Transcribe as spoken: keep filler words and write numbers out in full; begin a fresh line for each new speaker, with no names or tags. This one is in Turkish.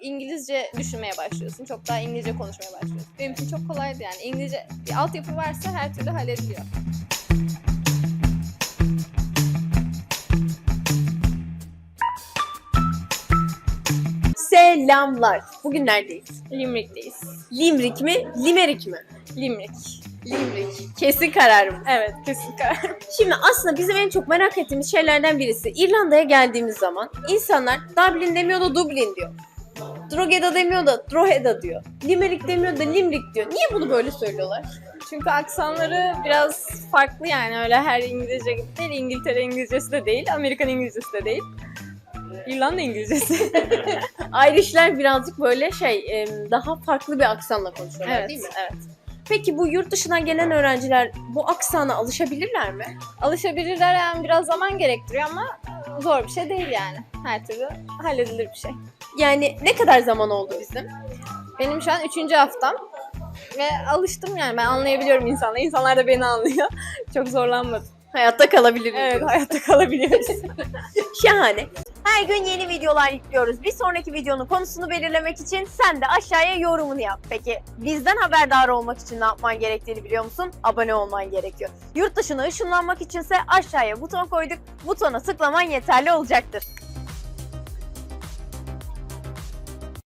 İngilizce düşünmeye başlıyorsun. Çok daha İngilizce konuşmaya başlıyorsun. Benim için çok kolaydı yani. İngilizce bir altyapı varsa her türlü hallediliyor.
Selamlar. Bugün neredeyiz?
Limerick'teyiz.
Limrik mi, Limerik mi?
Limerick.
Limrik. Kesin kararım.
Evet, kesin karar.
Şimdi aslında bizim en çok merak ettiğimiz şeylerden birisi İrlanda'ya geldiğimiz zaman insanlar Dublin demiyor da Dublin diyor. Drogheda demiyor da Drogheda diyor. Limerick demiyor da Limerick diyor. Niye bunu böyle söylüyorlar?
Çünkü aksanları biraz farklı yani. Öyle her İngilizce gibi değil. İngiltere İngilizcesi de değil. Amerikan İngilizcesi de değil. İrlanda İngilizcesi.
Irishler birazcık böyle şey daha farklı bir aksanla konuşuyorlar
Evet,
değil mi?
evet.
Peki bu yurt dışından gelen öğrenciler bu aksana alışabilirler mi?
Alışabilirler yani biraz zaman gerektiriyor ama zor bir şey değil yani. Her türlü halledilir bir şey.
Yani ne kadar zaman oldu bizim?
Benim şu an üçüncü haftam ve alıştım yani ben anlayabiliyorum insanları. İnsanlar da beni anlıyor. Çok zorlanmadım.
Hayatta kalabiliriz.
Evet,
diyoruz.
hayatta kalabiliyoruz.
Şahane. Her gün yeni videolar yüklüyoruz. Bir sonraki videonun konusunu belirlemek için sen de aşağıya yorumunu yap. Peki bizden haberdar olmak için ne yapman gerektiğini biliyor musun? Abone olman gerekiyor. Yurt dışına ışınlanmak içinse aşağıya buton koyduk. Butona tıklaman yeterli olacaktır.